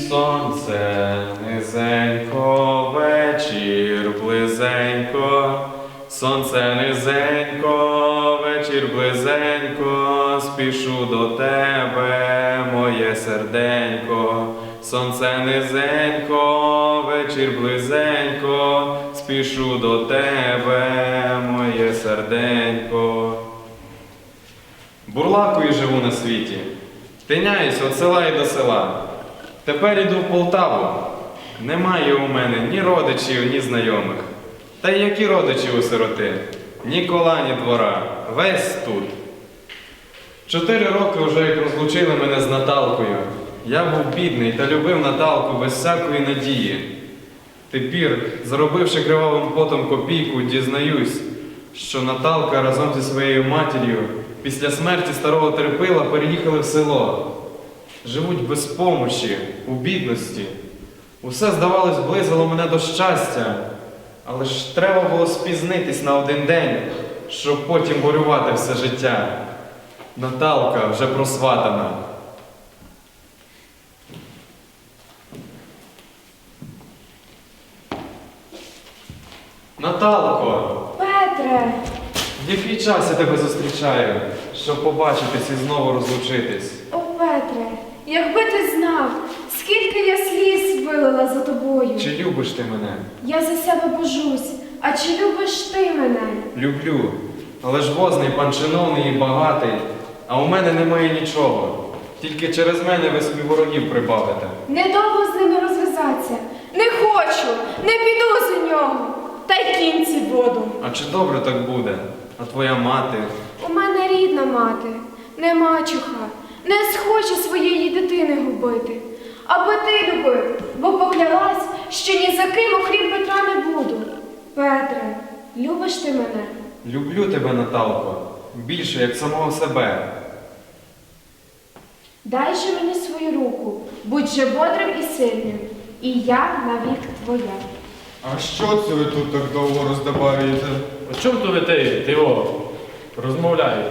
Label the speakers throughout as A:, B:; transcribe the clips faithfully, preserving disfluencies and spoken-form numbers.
A: сонце низенько, вечір близенько, сонце низенько, вечір близенько, спішу до тебе, моє серденько. Сонце низенько, вечір близенько, спішу до тебе, моє серденько. Бурлакою живу на світі, тиняюсь від села і до села. Тепер іду в Полтаву. Немає у мене ні родичів, ні знайомих. Та й які родичі у сироти? Ні кола, ні двора. Весь тут. Чотири роки вже як розлучили мене з Наталкою. Я був бідний та любив Наталку без всякої надії. Тепер, заробивши кривавим потом копійку, дізнаюсь, що Наталка разом зі своєю матір'ю після смерті старого Терпила переїхали в село. Живуть без помощі, у бідності. Усе, здавалось, близило мене до щастя, але ж треба було спізнитись на один день, щоб потім горювати все життя. Наталка вже просватана. Наталко!
B: Петре!
A: В який час я тебе зустрічаю, щоб побачитись і знову розлучитись?
B: О, Петре, якби ти знав, скільки я сліз вилила за тобою.
A: Чи любиш ти мене?
B: Я за себе божусь, а чи любиш ти мене?
A: Люблю, але ж возний пан чиновний і багатий, а у мене немає нічого. Тільки через мене ви собі ворогів прибавите.
B: Недовго з ними розв'язатися. Не хочу, не піду за нього. Та й кінці воду.
A: А чи добре так буде? А твоя мати?
B: У мене рідна мати, не мачуха, не схоче своєї дитини губити. Аби ти любив, бо поклялась, що ні за ким, окрім Петра, не буду. Петре, любиш ти мене?
A: Люблю тебе, Наталко, більше, як самого себе.
B: Дай же мені свою руку, будь же бодрим і сильним, і я навік твоя.
C: А що це ви тут так довго роздобарюєте?
D: О чому то ви ти, ти о, розмовляєте?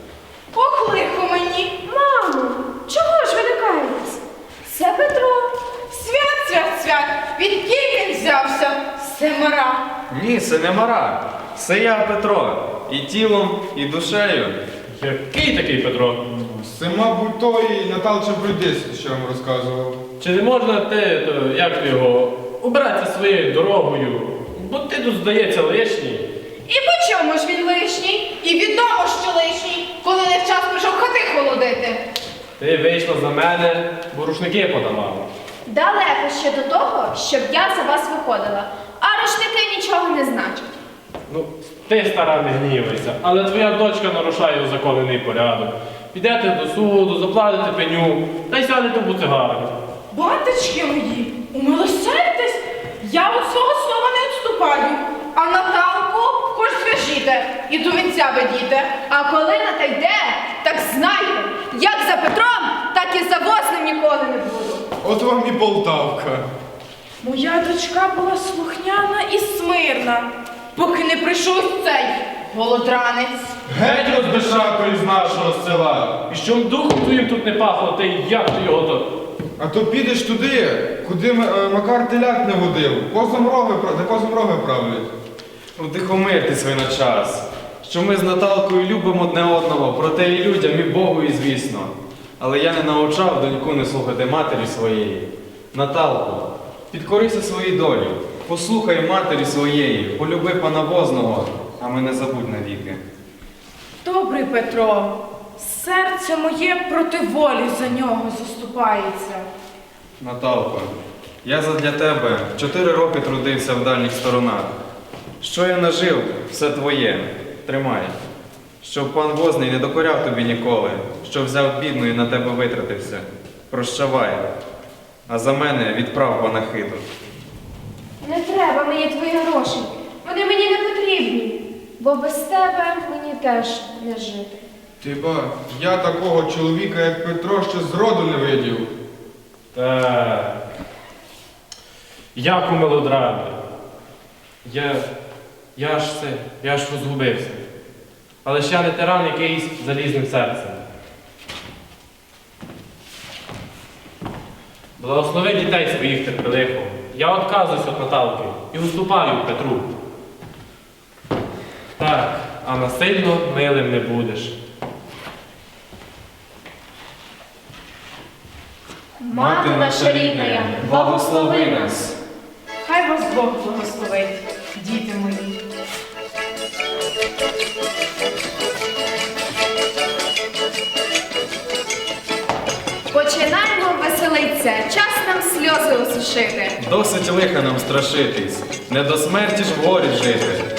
B: Ох, лихо мені! Мамо, чого ж ви лякаєтесь? Це Петро.
E: Свят, свят, свят! Відкіль він взявся? Семера.
A: Ні, це не мара. Це я, Петро. І тілом, і душею.
D: Який такий Петро?
C: Це, мабуть, той Наталча Брудис, що я вам розказував.
D: Чи не можна ти, то, як ти його, убиратися своєю дорогою? Бо ти тут, здається, лишній.
E: І по чому ж він лишній? І відомо, що лишній, коли не в час прийшов хати холодити.
D: Ти вийшла за мене, бо рушники подавала.
B: Далеко ще до того, щоб я за вас виходила, а рушники нічого не значать.
D: Ну, ти, стара, не гнівайся, але твоя дочка нарушає узаконений порядок. Підете до суду, заплатите пеню, та й сядете в буцигарню.
E: Батечки мої, умилосердьтесь, я від свого слова не відступаю. А Наталку хоч зв'яжіте і до вінця ведіте.
B: А коли на те йде, так знайте, як за Петром, так і за возним ніколи не буду.
C: От вам і Полтавка.
E: Моя дочка була слухняна і смирна, поки не прийшов цей голодранець.
C: Геть розбишако із нашого села.
D: І щоб духом твоїм тут не пахло, ти як ти його то?
C: А то підеш туди, куди М- е, Макар теляк не водив. Козом роги, пра- де козом роги правлять.
A: Утихомиртесь ви на час, що ми з Наталкою любимо одне одного, проте і людям, і Богу, і звісно. Але я не навчав доньку не слухати матері своєї. Наталко, підкорися своїй долі, послухай матері своєї, полюби пана возного, а мене забудь навіки.
E: Добрий Петро, серце моє проти волі за нього заступається.
A: Наталко, я задля тебе чотири роки трудився в дальніх сторонах. Що я нажив, все твоє. Тримай. Щоб пан возний не докоряв тобі ніколи, що взяв бідну і на тебе витратився. Прощавай. А за мене відправ панахиду.
B: Не треба мені твої гроші, вони мені не потрібні, бо без тебе мені теж не жити.
C: Ти ба, я такого чоловіка, як Петро, ще зроду не видів.
D: Так. Як у мелодрамі. Я, я ж це, я ж розгубився. Але ж я не тиран якийсь залізним серцем. Благослови дітей своїх терпеливо. Я відказуюсь від Наталки і уступаю Петру. Так, а насильно милим не будеш.
B: Мати наша рідна, благослови нас.
E: Хай вас Бог благословить, діти мої.
B: Починаємо веселитися, час нам сльози осушити.
A: Досить лиха нам страшитись, не до смерті ж в горі жити.